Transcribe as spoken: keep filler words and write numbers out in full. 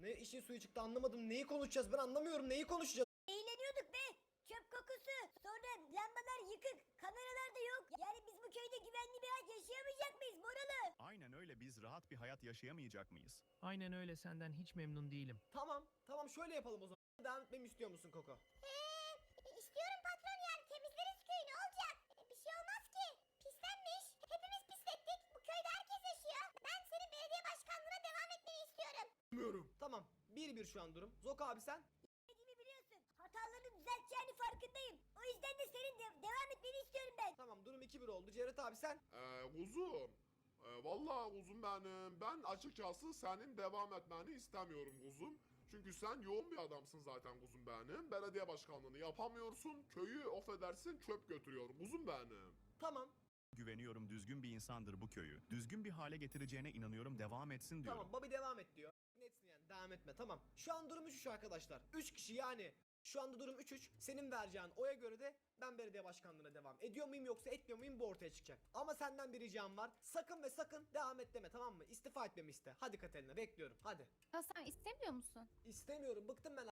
Ne işin suyu çıktı anlamadım. Neyi konuşacağız ben anlamıyorum. Neyi konuşacağız? Eğleniyorduk be. Çöp kokusu. Sonra lambalar yıkık. Kameralar da yok. Yani biz bu köyde güvenli bir hayat yaşayamayacak mıyız Moralı? Aynen öyle, biz rahat bir hayat yaşayamayacak mıyız? Aynen öyle, senden hiç memnun değilim. Tamam. Tamam şöyle yapalım o zaman. Devam etmemi istiyor musun Koko? Ee, istiyorum patron yani temizleriz köyü ne olacak? Ee, Bir şey olmaz ki. Pislenmiş. Hepimiz pislettik. Bu köyde herkes yaşıyor. Ben senin belediye başkanlığına devam etmeni istiyorum. Bilmiyorum. Tamam. bir bir şu an durum. Zoka abi sen? Dediğimi biliyorsun. Hatalarını düzelteceğini farkındayım. O yüzden de senin de devam etmeni istiyorum ben. Tamam durum iki bir oldu. Cevdet abi sen? Ee, kuzum. Ee, vallahi kuzum benim. Ben açıkçası senin devam etmeni istemiyorum kuzum. Çünkü sen yoğun bir adamsın zaten kuzum benim. Belediye başkanlığını yapamıyorsun. Köyü affedersin çöp götürüyor kuzum benim. Tamam. Güveniyorum, düzgün bir insandır bu köyü. Düzgün bir hale getireceğine inanıyorum, devam etsin diyorum. Tamam Bobby devam et diyor. Netsin yani devam etme tamam. Şu an durum üç üç arkadaşlar. üç kişi yani. Şu anda durum üç üç. Senin vereceğin oya göre de ben belediye başkanlığına devam ediyor muyum yoksa etmiyor muyum bu ortaya çıkacak. Ama senden bir ricam var. Sakın ve sakın devam et deme tamam mı? İstifa etmemi iste. Hadi Katerina bekliyorum hadi. Hasan istemiyor musun? İstemiyorum bıktım ben